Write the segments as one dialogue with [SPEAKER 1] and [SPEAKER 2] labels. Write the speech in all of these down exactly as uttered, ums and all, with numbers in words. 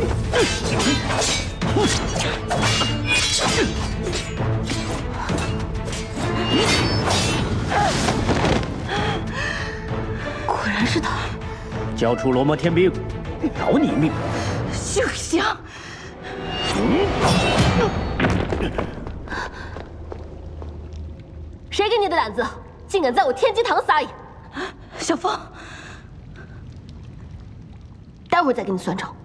[SPEAKER 1] 果然是他！
[SPEAKER 2] 交出罗摩天兵，饶你一命！
[SPEAKER 1] 休想！
[SPEAKER 3] 谁给你的胆子，竟敢在我天机堂撒野？
[SPEAKER 1] 小风，
[SPEAKER 3] 待会儿再跟你算账。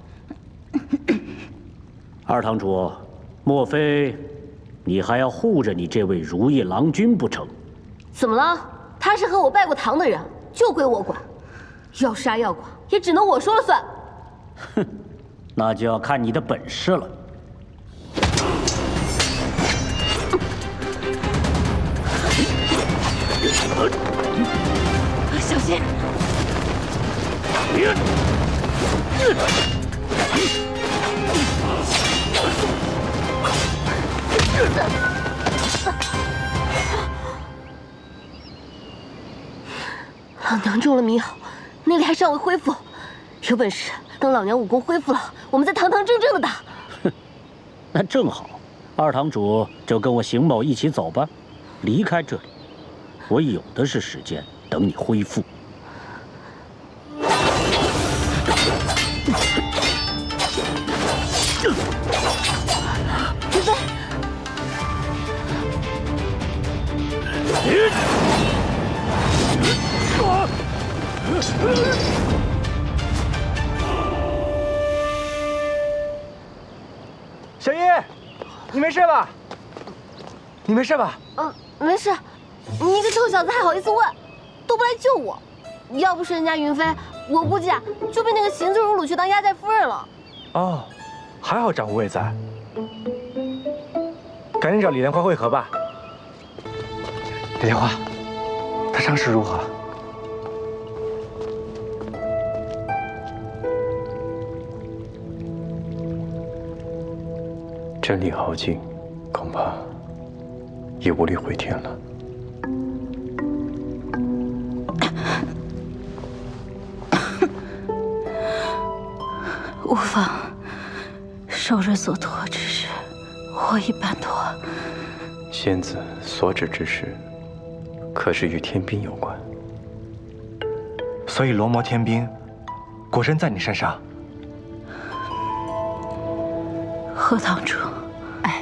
[SPEAKER 2] 二堂主，莫非你还要护着你这位如意郎君不成？
[SPEAKER 3] 怎么了？他是和我拜过堂的人，就归我管。要杀要剐，也只能我说了算。
[SPEAKER 2] 哼，那就要看你的本事了。
[SPEAKER 1] 小心！
[SPEAKER 3] 老娘中了迷药，内力还尚未恢复。有本事等老娘武功恢复了，我们再堂堂正正的打。
[SPEAKER 2] 哼，那正好，二堂主就跟我邢某一起走吧，离开这里，我有的是时间等你恢复。
[SPEAKER 3] 云飞。
[SPEAKER 4] 小叶，你没事吧？你没事吧？
[SPEAKER 3] 嗯，没事。你一个臭小子还好意思问，都不来救我。要不是人家云飞，我估计啊就被那个行字如鲁去当压寨夫人了。
[SPEAKER 4] 哦，还好长无畏在。赶紧找李莲花会合吧。李莲花，他伤势如何？
[SPEAKER 5] 真力耗尽，恐怕也无力回天了。
[SPEAKER 1] 无妨，受人所托之事，我已办妥。
[SPEAKER 5] 仙子所指之事，可是与天兵有关？
[SPEAKER 4] 所以罗摩天兵果真在你身上？
[SPEAKER 1] 贺堂主，哎，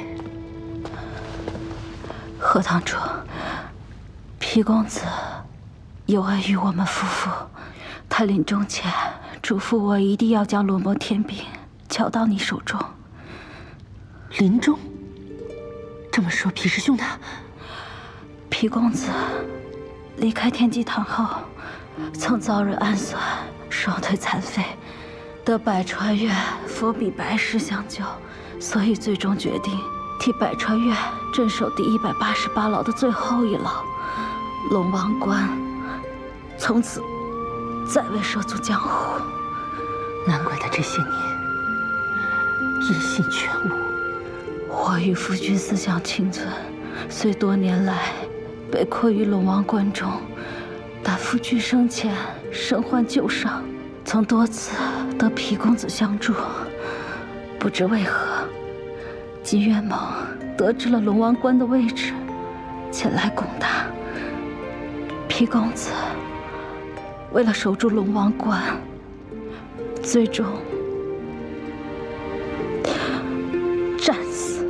[SPEAKER 1] 贺堂主，皮公子有恩于我们夫妇，他临终前嘱咐我一定要将罗摩天兵交到你手中。
[SPEAKER 3] 临终？这么说，皮师兄他……
[SPEAKER 1] 皮公子离开天机堂后，曾遭人暗算，双腿残废，得百川院佛比白师相救。所以最终决定替百川院镇守第一百八十八牢的最后一牢龙王关，从此再未涉足江湖。
[SPEAKER 3] 难怪他这些年一心全无。
[SPEAKER 1] 我与夫君思想清纯，虽多年来被困于龙王关中，但夫君生前身患旧伤，曾多次得皮公子相助。不知为何，金元猛得知了龙王关的位置，前来攻打。皮公子为了守住龙王关，最终战死。